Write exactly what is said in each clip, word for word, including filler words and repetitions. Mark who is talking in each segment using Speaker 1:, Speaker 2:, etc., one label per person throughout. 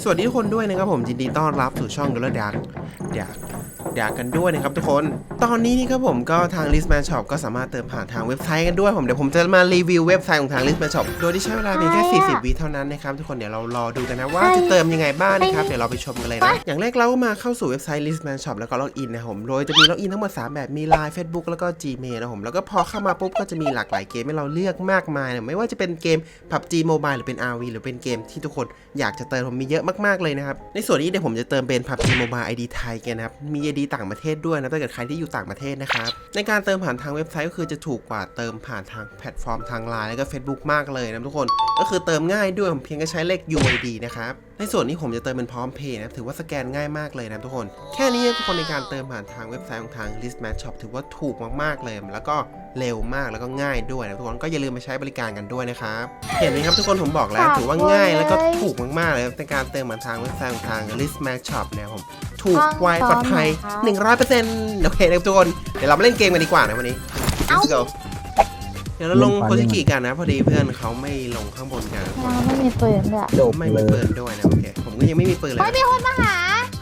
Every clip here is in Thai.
Speaker 1: สวัสดีทุกคนด้วยนะครับผมยินดีต้อนรับสู่ช่องดูแลดักดักดักกันด้วยนะครับทุกคนตอนนี้นี่ครับผมก็ทาง Listman Shop ก็สามารถเติมผ่านทางเว็บไซต์กันด้วยผมเดี๋ยวผมจะมารีวิวเว็บไซต์ของทาง Listman Shop โดยที่ใช้เวลาเพียงแค่สี่สิบวิเท่านั้นนะครับทุกคนเดี๋ยวเรารอดูกันนะว่าจะเติมยังไงบ้างนะครับเดี๋ยวเราไปชมกันเลยนะอย่างแรกเราก็มาเข้าสู่เว็บไซต์ Listman Shop แล้วก็ล็อกอินนะผมโดยจะมีล็อกอินทั้งหมดสามแบบมี ไลน์ Facebook แล้วก็ Gmail นะผมแล้วก็พอเข้ามาปุ๊บก็จะมีหลากหลายเกมให้เราเลือกมากมายนะไม่ว่าจะเป็นเกม พับจี Mobile หรือเป็น อาร์ วี หรือเป็นเกมที่ทุกคนอยากจะเติมผมมีเยอะมากๆเลยนะครับในส่วนนี้เดี๋ยวผมจะเติมเป็น พับจี Mobile ไอ ดี ไทยกันนะครับมี ไอ ดี ต่างประเทศด้วยนะถ้าเกิดใครที่อยู่ต่างประเทศนะครับในการเติมผ่านทางเว็บไซต์ก็คือจะถูกกว่าเติมผ่านทางแพลตฟอร์มทาง ไลน์ แล้วก็ Facebook มากเลยนะทุกคนก็คือเติมง่ายด้วยผมเพียงแค่ใช้เลข ยู ไอ ดี นะครับในส่วนนี้ผมจะเติมเป็นพร้อมเพย์นะถือว่าสแกนง่ายมากเลยนะทุกคนแค่นี้ทุกคนในการเติมผ่านทางเว็บไซต์ของทาง Listman Shop ถือว่าถูกมากๆเลยแล้วก็เร็วมากแล้วก็ง่ายด้วยนะทุกคนก็อย่าลืมมาใช้บริการกันด้วยนะครับเห็นไหมครับทุกคนผมบอกแล้วถือว่าง่ายแล้วก็ถูกมากๆเลยในการเติมผ่านทางเว็บไซต์ของทาง Listman Shop เนี่ยผมถูกไวปลอดภัย หนึ่งร้อยเปอร์เซ็นต์ โอเคนะทุกคนเดี๋ยวเรามาเล่นเกมกันดีกว่านะวันนี้ Let's go เดี๋ยวเราลงโคชิกิกันนะพอดีเพื่อนเขาไม่ลงข้างบนกัน
Speaker 2: ไม่มีปืนด้วย
Speaker 1: ไม่มีปืนด้วยนะโอเคผมก็ยังไม่มีปืนเลย
Speaker 2: ไม่มีคนมาหา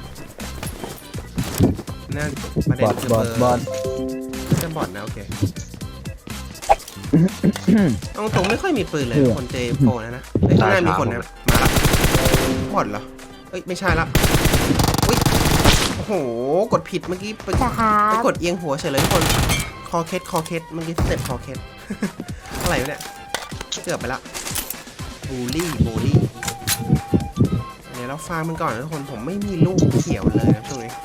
Speaker 1: นั่นประเด็นคือบ
Speaker 3: อ
Speaker 1: เบ
Speaker 3: ด
Speaker 1: อร์
Speaker 3: บอด
Speaker 1: จะบอดนะโอเคเอาตรงไม่ค่อยมีปืนเลยคนเจโฟนะนะเฮ้ยข้างหน้ามีคนนะมาละบอดเหรอเอ้ยไม่ใช่ละอุ้ยโอ้โหกดผิดเมื่อกี้ไป
Speaker 2: จะหา
Speaker 1: ไปกดเอียงหัวเฉยเลยทุกคนคอเคสคอเคสเมื่อกี้สเต็ปคอเคส อะไรวะเนี่ยเกือบไปละบูลลี่บูลลี่เดี๋ยวเราฟาร์มมันก่อนนะทุกคนผมไม่มีลูกเขียวเลยนะตรงนี้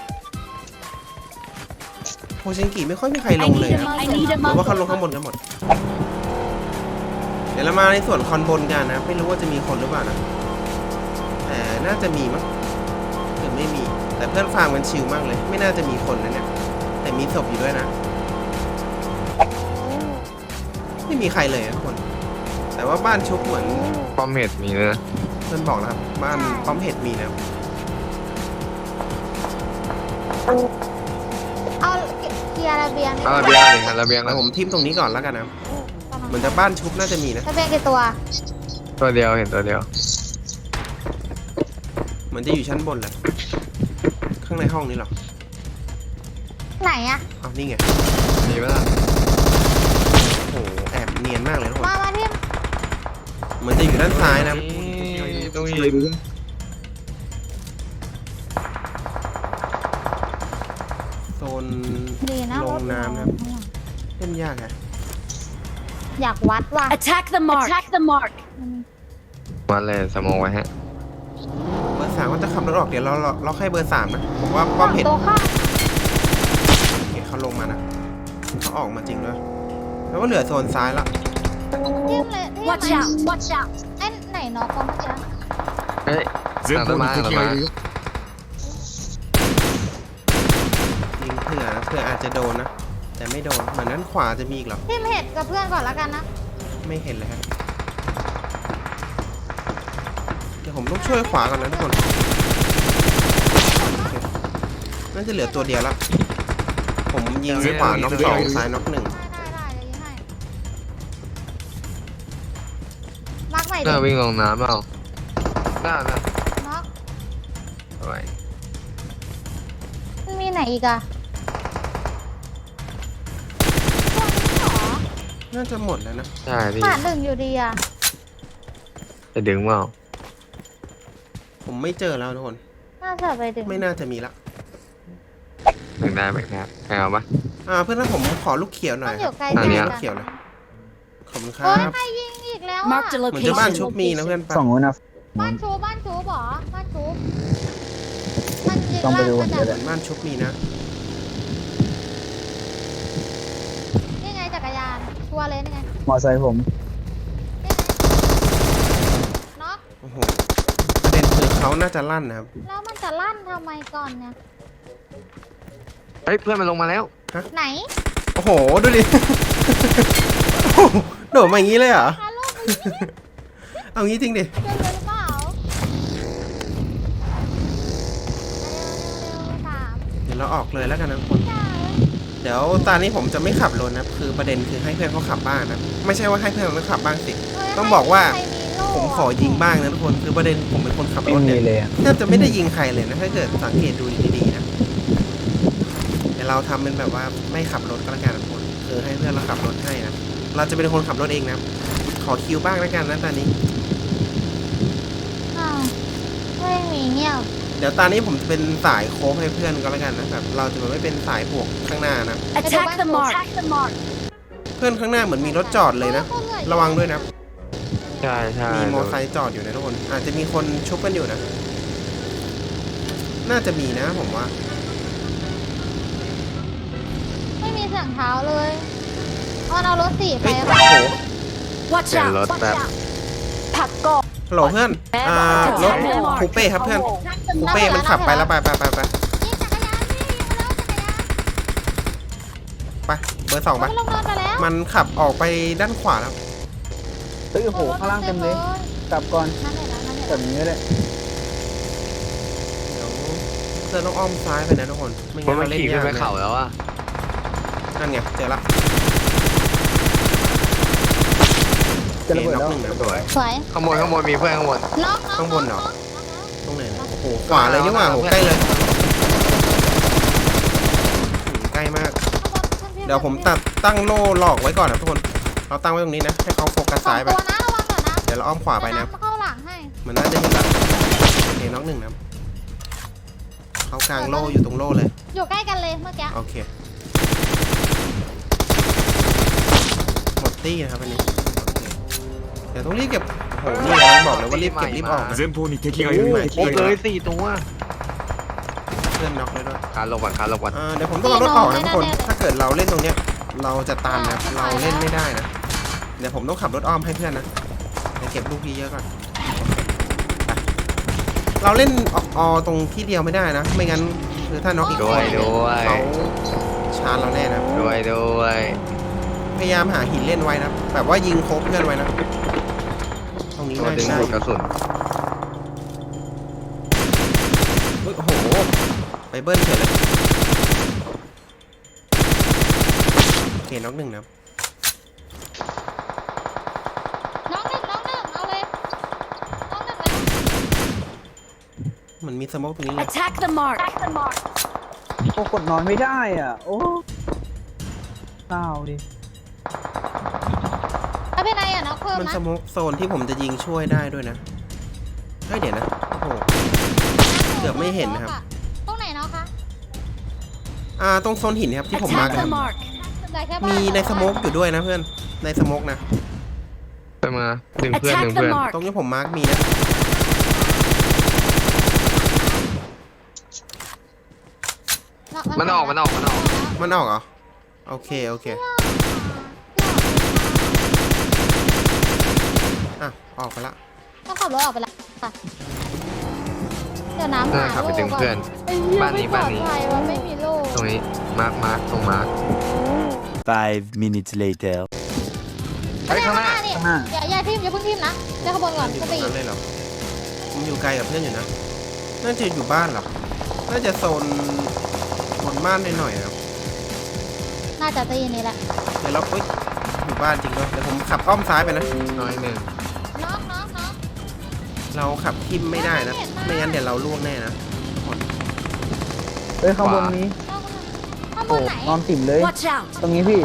Speaker 1: โคชิงกิไม่ค่อยมีใครลงเลยนะหรือว่าเขาลงข้างบนกันหมดเดี๋ยวเรามาในส่วนคอนบนกันนะไม่รู้ว่าจะมีคนหรือเปล่านะแต่น่าจะมีมั้งหรือไม่มีแต่เพื่อนฟาร์มมันชิลมากเลยไม่น่าจะมีคนนะเนี่ยแต่มีศพอยู่ด้วยนะไม่มีใครเลยนะทุกคนแต่ว่าบ้านชุบเหมือน
Speaker 4: ป้อมเห็ดมีเลยนะ
Speaker 1: เพื่อนบอกแล้วครับบ้านป้อมเห็ดมีนะ
Speaker 2: เอาเคลียร์ระเบียง
Speaker 4: เอาระเบียงเลยครับระเบียง
Speaker 1: แล้ว
Speaker 4: นะ
Speaker 1: ผมทิมตรงนี้ก่อนแล้วกันนะเหมือนจะบ้านชุบน่าจะมีนะ
Speaker 2: ระเบียงกี่ตัว
Speaker 4: ตัวเดียวเห็นตัวเดียว
Speaker 1: เหมือนจะอยู่ชั้นบนแหละข้างในห้องนี้หรอ
Speaker 2: ไหนอะ
Speaker 1: อ้าวนี่ไง
Speaker 4: มีไหมล่ะ
Speaker 1: โอ้โหแอบเนียนมากเลยทุกคน
Speaker 2: มามาที่
Speaker 1: เหมือนจะอยู่ด้านซ้ายนะ
Speaker 4: ตรงนี้
Speaker 1: โซน
Speaker 2: ดีนะ
Speaker 1: ลงน้ำนะครับเล่นยากอะ
Speaker 2: อยากวัดว่ะ
Speaker 5: Attack the mark. Attack the mark.
Speaker 4: มาเลยสมองไว้ฮะ
Speaker 1: เบอร์สามก็จะขับรถออกเดี๋ยวเราเราเราให้เบอร์สามนะผมว่าป้อมเห็ด
Speaker 2: ตัวข้าง
Speaker 1: เห็ดเขาลงมานะเขาออกมาจริงด้วยแล้วก็เหลือโซนซ้ายละ
Speaker 2: ทิ่มเลยทิ่ม
Speaker 5: Watch out. Watch out.
Speaker 2: ไอ้ไหนน็อกเมื่อกี้
Speaker 4: เฮ้ยหลังต้นไม้หลังต้นไม้
Speaker 1: ยิงเผื่อนะเผื่ออาจจะโดนนะแต่ไม่โดนเหมือนนั้นขวาจะมีอีกเหรอ
Speaker 2: ทิ่มเห็ดกับเพื่อนก่อนแล้วกันนะ
Speaker 1: ไม่เห็นเลยครับเดี๋ยวผมต้องช่วยขวาก่อนนะทุกคนน่าจะเหลือตัวเดียวละผมยิงขวาน็อกสองซ้ายน็อกหนึ่ง
Speaker 2: ได้ได้ได้เดี๋ยวยิงให้มาร์กใหม่
Speaker 4: ห
Speaker 2: ดิ
Speaker 4: น้าวิ่งลงน้ำเปล่าหน้าหน้า
Speaker 2: น็อก
Speaker 4: เอาไว้
Speaker 2: มันมีไหนอีกอะตัวนี้เหรอ
Speaker 1: น่าจะหมดแล้วนะ
Speaker 4: ใช่พี่
Speaker 2: ขาดหนึ่งอยู่ดีอะ
Speaker 4: จะดึงเปล่า
Speaker 1: ผมไม่เจอแล้วทุกคน
Speaker 2: น่าจะไปดึง
Speaker 1: ไม่น่าจะมีละ
Speaker 4: แบ่งได้แบ่งได้ใครเอาปะ
Speaker 1: อ่าเพื่อนถ้าผมขอลูกเขียวหน่
Speaker 2: ต้
Speaker 1: อ
Speaker 2: อย งอ
Speaker 1: ครั
Speaker 2: ยู่
Speaker 1: บ
Speaker 2: ไกล
Speaker 4: อันเนี้ย
Speaker 2: กั
Speaker 1: เขียวเลยขอบคุณครั
Speaker 2: โอ้ย
Speaker 1: บ
Speaker 2: ใครยิงอีกแล้วอะ
Speaker 5: Marked a
Speaker 1: เหมือนจะบ้าน
Speaker 5: location.
Speaker 1: ชุบมีนะเพื่อนปะ
Speaker 3: สองนู้นนะ
Speaker 2: บ้านชูบ้านชูบอบ้านชูมันยิง
Speaker 3: ต้องไปดู
Speaker 2: ลั่น
Speaker 3: เดี๋ยว
Speaker 1: เห
Speaker 3: เดี๋
Speaker 1: มื
Speaker 3: ยว
Speaker 1: อนบ้านชุบมีนะ
Speaker 2: นี่ไงจักรยานชัวร์เลยนี่ไง
Speaker 3: มอไซค์ผม
Speaker 2: นี่ไงเนาะ
Speaker 1: โอ้โหประเด็นคือเขาน่าจะลั่นนะครับ
Speaker 2: แล้วมันจะลั่นทำไมก่อนเนี่ย
Speaker 4: เฮ้ยเพื่อนมันลงมาแล้ว
Speaker 2: ไหน
Speaker 1: โอ้โหดูดิ โอ้โหโดดมาอย่างนี้เลยเหรอ
Speaker 2: ฮาโลวีน
Speaker 1: เอางี้จริงดิ
Speaker 2: เดินเลยหรือเปล่าเร็วๆเร็วๆสาม
Speaker 1: เดี๋ยวเราออกเลยแล้วกันนะทุกคน
Speaker 2: จ้า
Speaker 1: เดี๋ยวตอนนี้ผมจะไม่ขับรถนะคือประเด็นคือให้เพื่อนเขาขับบ้างนะไม่ใช่ว่าให้เพื่อนเขาขับบ้างสิ
Speaker 2: เฮ้ย
Speaker 1: ต้องบอกว่า
Speaker 2: ใครมีโล่
Speaker 1: ผมขอยิงบ้างนะทุกคนคือประเด็นผมเป็นคนขับรถเนี่ย
Speaker 3: ไม่มีเลยอะ
Speaker 1: แทบจะไม่ได้ยิงใครเลยนะถ้าเกิดสังเกตดูดีๆนะแต่เราทำเป็นแบบว่าไม่ขับรถก็แล้วกันนะทุกคนคือให้เพื่อนเราขับรถให้นะเราจะเป็นคนขับรถเองนะขอคิวบ้างแล้วกันนะตอนนี้
Speaker 2: อ้าวไม่มีเงียบ
Speaker 1: เดี๋ยวตอนนี้ผมจะเป็นสายโค้งให้เพื่อนก็แล้วกันนะแบบเราจะไม่เป็นสายบวกข้างหน้านะ
Speaker 5: Attack the mark. Attack the mark.
Speaker 1: เพื่อนข้างหน้าเหมือนมีรถจอดเลยนะระวังด้วยนะ
Speaker 4: ใช่ใช่
Speaker 1: มีมอไซค์จอดอยู่นะทุกคนอาจจะมีคนชุบกันอยู่นะ น่าจะมีนะผมว่า
Speaker 2: ไม่มีเสียงเท้าเลยออนเอารถสี่ไป
Speaker 1: เฮ้ย
Speaker 2: อะ
Speaker 1: โอ้โห
Speaker 5: Watch
Speaker 4: เปลี่ยน
Speaker 5: out.
Speaker 4: รถ
Speaker 5: Watch
Speaker 4: แบบ
Speaker 5: out. ผักกบ
Speaker 1: ฮัลโหลเพื่อนอ่ารถคูเป้ครับเพื่อนคูเป้มันขับไปแล้วไปไปไปไป
Speaker 2: ยิงจักรยานพี่ยิงมาแล้วจักรยาน
Speaker 1: ไปเบอร์สองไป
Speaker 2: มันลงนอนไปแล้ว
Speaker 1: มันขับออกไปด้านขวาแล้ว
Speaker 3: เฮ้ยโอ้โหข้างล่างเต็มเลยกลับก่อน
Speaker 2: นั่นแหละนั่นแหละ
Speaker 3: แบบนี้เลย
Speaker 1: เดี๋ยวเพื่อนต้องอ้อมซ้ายไปนะทุกคนไม่
Speaker 4: เพ
Speaker 1: งั้
Speaker 4: ราะ
Speaker 1: น
Speaker 4: มัน
Speaker 1: เราเล่น
Speaker 4: ขี่ขึ้น
Speaker 1: ยาก
Speaker 4: ไป
Speaker 1: เลย
Speaker 4: เขาแล้วอ่ะ
Speaker 1: นั่นไงเจอละ
Speaker 3: จะระเบิด
Speaker 1: น็อก
Speaker 3: แล้ว
Speaker 1: หนึ่งนะ
Speaker 4: สวย
Speaker 2: สวย
Speaker 4: ข้างบนข้างบนมีเพื่อนข้างบน
Speaker 2: น็อกน็อก
Speaker 1: ข้างบนเหรอ
Speaker 2: น็อก
Speaker 1: ตรงไหนนะโอ้โหขวาเลยนี่หว่าโอ้โหใกล้เลยอืมใกล้มาก เดี๋ยวผมตัดตั้งโล่หลอกไว้ก่อนนะทุกคน เราตั้งไว้ตรงนี้นะ ให้เขาโฟกัส
Speaker 2: สอ
Speaker 1: ซ้าง ยไป
Speaker 2: ตัวนะระวังก่อนนะ
Speaker 1: เดี๋ยวเราอ้อมขวาไปนะ
Speaker 2: เดี๋ยวำเข้าหลังให้
Speaker 1: มันน่าจะเห็นละโอเคน้องหนึ่งนะเขากลางโล่อยู่ตรงโล่เลย
Speaker 2: อยู่ใกล้กันเลยเมื่อกี้
Speaker 1: โอเค หมดตี้นะครับอันนี้โอเคเดี๋ยวต้องรีบเก็บ โอ้โห นี่นะบอกเลยว่ารีบเก็บรีบออกนะ
Speaker 6: 前方に敵がいる
Speaker 1: โอ้
Speaker 4: ครบเลยสี่ตัว
Speaker 1: เพื่อนน็อกเลยด้วย
Speaker 4: คานลงก่อนคานลงก่อน
Speaker 1: อ่าเดี๋ยวผมต้องเอารถออกนะทุกคน ถ้าเกิดเราเล่นตรงเนี้ย เราจะตันนะ เราเล่นไม่ได้นะ เดี๋ยวผมต้องขับรถอ้อมให้เพื่อนนะเดี๋ยวเก็บลูกพี่เยอะก่อนไปเราเล่นอออตรงที่เดียวไม่ได้นะ ไม่งั้นคือถ้าน็อกอีก
Speaker 4: ด้วยด้วย
Speaker 1: เขาชาร์จเราแน่นะ
Speaker 4: ด้วยด้วย
Speaker 1: พยายามหาหินเล่นไว้นะ แบบว่ายิงโคบเพื่อนไว้นะ ตรงนี้
Speaker 4: ตัว
Speaker 1: น่า
Speaker 4: ดึ
Speaker 1: จะ
Speaker 4: ง
Speaker 1: ได้
Speaker 4: ดูดกระสุน
Speaker 1: เฮ้ยโอ้โห ไปเบิ้ลเฉยเลยโอเคน็อกหนึ่งนะ
Speaker 2: น้องหนึ่งน้องหนึ่งเอาเลยน้องหนึ่งเลย
Speaker 1: เหมือนมีสโมกตรงนี้เลย
Speaker 5: Attack the mark. Attack the mark.
Speaker 3: โอ้กดนอนไม่ได้อ่ะ โอ้เศร้าดิ
Speaker 2: เอาเป็นไรอ่ะน้องเพิ่ม
Speaker 1: มัน
Speaker 2: นะ
Speaker 1: สโมกโซนที่ผมจะยิงช่วยได้ด้วยนะเฮ้ยเดี๋ยวนะ โอ้โห เกือบไม่เห็นนะครับ
Speaker 2: ตรงไหนเนาะคะ
Speaker 1: อ่า ตรงโซนหินครับที่ผมมา
Speaker 5: Attack
Speaker 1: กัน
Speaker 5: the mark.
Speaker 2: ได้แค่บ้าน
Speaker 1: มีในสโมกอยู่ด้วยนะเพื่อน ในสโมกนะ
Speaker 4: ไปมาดึงเพื่อนดึ
Speaker 5: Attack
Speaker 4: ง
Speaker 5: the
Speaker 4: เพื่อน
Speaker 5: mark.
Speaker 1: ตรงนี้ผมมาร์กมีนะ
Speaker 4: มันออกมันออกมันออก
Speaker 1: มันออกเหรอ โอเค โอเค อ่ะ ออกไปละ
Speaker 2: ต้องขับรถออกไปแล้วค่ะเดี๋ยวน้ำ
Speaker 4: น่า
Speaker 2: หา
Speaker 4: ขับไป
Speaker 2: โล่
Speaker 4: ดึง
Speaker 2: ก่อน
Speaker 4: เพื่อน
Speaker 2: ไอ้เหี้ย
Speaker 4: บ้านนี้
Speaker 2: ไม่ปลอด
Speaker 4: บ้านนี้
Speaker 2: ภัยว่ะไม่มีโล่
Speaker 4: ตรงนี้มาร์คมาร์คตรงมาร์ค
Speaker 6: Five minutes later
Speaker 4: ไปข้างหน้า
Speaker 2: นี่
Speaker 3: ข้างหน้า
Speaker 2: อย่าอย่าทิมอย่าเพิ่งทิมนะเดี๋ยวขบวนก่อน
Speaker 1: อยู่
Speaker 2: ส
Speaker 1: ตร
Speaker 2: ปี
Speaker 1: ง
Speaker 2: ด
Speaker 1: นั้นเลยเหรอผมอยู่ไกลกับเพื่อนอยู่นะ น่าจะอยู่บ้านเหรอ น่าจะโซนบนบ้านหน่อยๆครับ
Speaker 2: น่าจะตีนี่แหละ
Speaker 1: เดี๋ยวเราเฮ้ยอยู่บ้านจริงด้วยเดี๋ยวผมขับอ้อมซ้ายไปนะ
Speaker 4: น้อยหนึ่ง
Speaker 2: น้องน้องน้อง
Speaker 1: เราขับทิมไม่ได้นะ ไม่งั้นเดี๋ยวเราล่วงแน่นะ
Speaker 3: เฮ้ยข้างบนนี้
Speaker 2: น้องข้างบ
Speaker 3: โอ้
Speaker 2: นไหน
Speaker 3: นอนติ่มเลย
Speaker 5: Watch out.
Speaker 3: ตรงนี้พี่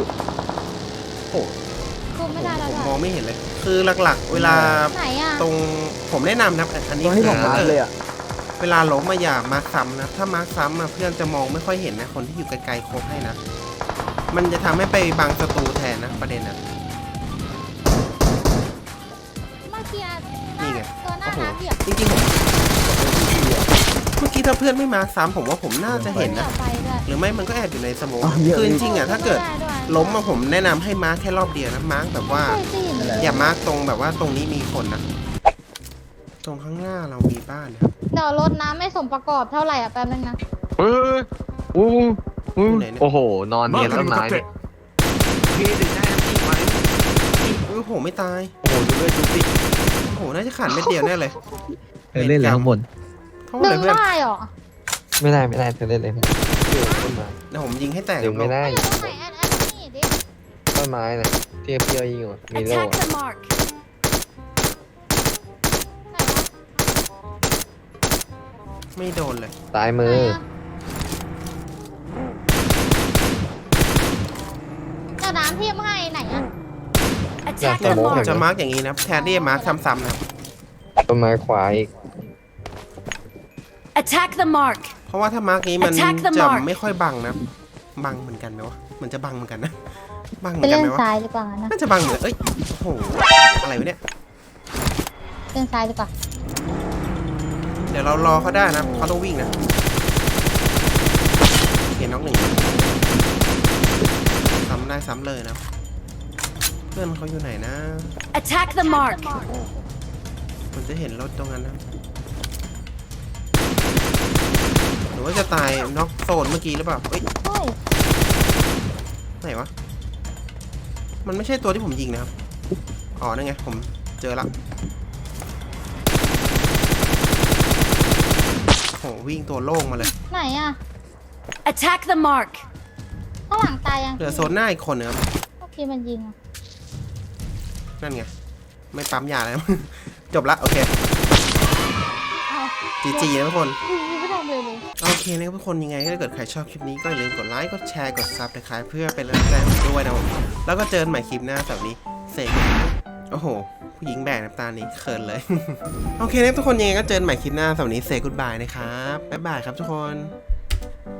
Speaker 2: คุมไม่ได้แล้ว
Speaker 1: ผม
Speaker 2: ด้วย
Speaker 1: มองไม่เห็นเลย คือหลักๆ เวลา
Speaker 2: ไหนอ่ะ
Speaker 1: ตรงผมแนะนำนะอัน
Speaker 3: ต
Speaker 1: นี้
Speaker 3: รงที่ผม
Speaker 1: ถ้า
Speaker 3: มา
Speaker 1: เกิด
Speaker 3: เลยอ่ะ
Speaker 1: เวลาล้มมาอย่ามาร์คซ้ำนะ ถ้ามาร์คซ้ำอะเพื่อนจะมองไม่ค่อยเห็นนะ คนที่อยู่ไกลๆโคบให้นะ มันจะทำให้ไปบังศัตรูแทนนะประเด็นนะ
Speaker 2: เมื่อกี้
Speaker 1: นี่ไง
Speaker 2: ตัวหน้า
Speaker 1: โอ้โห
Speaker 2: น้ำเหยียบ
Speaker 1: จริงๆผมเมื่อกี้ถ้าเพื่อนไม่มาซ้ำผมว่าผมน่าจะเห็นนะ
Speaker 2: ไปด้วย
Speaker 1: หรือไม่มันก็แอบอยู่ในสโมอง
Speaker 3: อ๋อเยอะ
Speaker 1: คือจริงๆอ่ะถ้าเกิด
Speaker 2: ไม่ไวย
Speaker 1: ล้มมาผมแนะนำให้มาร์คแค่รอบเดียวนะมาร์คแบบว่า
Speaker 2: ใช่สิ
Speaker 3: นั่นแหละ
Speaker 1: อย่ามาร์คตรงแบบว่าตรงนี้มีคนนะตรงข้างหน้าเรามีบ้านนะครับ
Speaker 2: เดี๋ยวรถน้ำไม่สมประกอบเท่าไหร่อ่ะแป๊บนึงนะ
Speaker 4: เฮ้ยอู้อู้โอ้โห นอนเนียน
Speaker 6: マーク
Speaker 4: ต้
Speaker 6: に
Speaker 4: น
Speaker 6: 向
Speaker 4: ไม้
Speaker 6: かっ
Speaker 4: เนี่ย
Speaker 6: て
Speaker 4: พี่ดึงได้น้ำจิ้มไหม
Speaker 1: โอ้โหไม่ตาย
Speaker 4: โอ้โหดูด้วยดูสิ
Speaker 1: โอ้โหน่าจะขาดเม็ดเดียวแน่เลย
Speaker 4: เล่นแล้วข้างบน
Speaker 1: เท่า
Speaker 2: ดึ
Speaker 1: ไหร่
Speaker 2: ง
Speaker 1: เพื่อน
Speaker 2: ได้เหรอ
Speaker 4: ไม่ได้ไม่ได้เธอเล่นเลยอยู่ต้นไม้
Speaker 1: เดี๋ยวผมยิงให้แตก
Speaker 4: ดึงไม่ได้
Speaker 2: อยู่ตรงไหนแอนแอนนี่ดิ
Speaker 4: ต้นไม้เนี่ยที่เพียวยิงอ่ะมีโล่
Speaker 5: Attack the mark.
Speaker 1: ไม่โดนเลย
Speaker 4: ซ้ายมือ
Speaker 2: เจ้าน้ำเทียมให้ไหนอะ
Speaker 5: Attack
Speaker 1: เนี่ย
Speaker 5: the
Speaker 1: ผม
Speaker 5: mark.
Speaker 1: จะมาร์กอย่างนี้นะแทนที่จะมาร์กซ้ำๆนะครับ
Speaker 4: ต้นไม้ขวาอีก
Speaker 5: Attack the mark.
Speaker 1: เพราะว่าถ้ามาร์กนี้มัน
Speaker 5: Attack the
Speaker 1: จะ
Speaker 5: mark
Speaker 1: ไม่ค่อยบังนะบังเหมือนกันไหมวะมันจะบังเหมือนกันนะบังเหมื
Speaker 2: ไป
Speaker 1: อนกัน
Speaker 2: เล่
Speaker 1: ไหม
Speaker 2: น
Speaker 1: วะ
Speaker 2: ซ้ายดีกว่านะ
Speaker 1: น่าจะบังเหมือนเอ้ยโอ้โหอะไรวะเนี่ย
Speaker 2: เล่นซ้ายดีกว่า
Speaker 1: เดี๋ยวเรารอเขาได้นะเขาต้องวิ่งนะเห็นน้องหนึ่งซ้ำได้ซ้ำเลยนะเพื่อนเขาอยู่ไหนนะ
Speaker 5: Attack the mark.
Speaker 1: มันจะเห็นรถตรงนั้นนะหรือว่าจะตายน็อกโซนเมื่อกี้หรือเปล่าเอ้ย
Speaker 2: เฮ้ย
Speaker 1: ไหนวะมันไม่ใช่ตัวที่ผมยิงนะครับอ๋อนั่นไงผมเจอละโหวิ่งตัวโล่งมาเลย
Speaker 2: ไหนอะ
Speaker 5: Attack the mark.
Speaker 2: ข้างหลังตายยัง
Speaker 1: เหลือโซนหน้าอีกคนนึงครับ
Speaker 2: เมื่อกี้มันยิงอะ
Speaker 1: นั่นไงไม่ปั๊มยาแล้ว จบละโอเค
Speaker 2: เอา
Speaker 1: จีจีนะทุกคน
Speaker 2: ยิงไม่ทำเลยเลย
Speaker 1: โอเคนะครับทุกคนยังไงถ้าเกิดใครชอบคลิปนี้ก็อย่าลืมกดไลค์กดแชร์กดซับนะครับเพื่อเป็นกำลังใจให้ผมด้วยนะผมแล้วก็เจอกันใหม่คลิปหน้าสำหรับนี้เสกโอ้โหผู้หญิงแบกน้ำตานี้เขินเลย โอเคนะครับทุกคนยังไงก็เจอกันใหม่คลิปหน้าสำหรับนี้เสกกุดบายนะครับบ๊ายบายครับทุกคน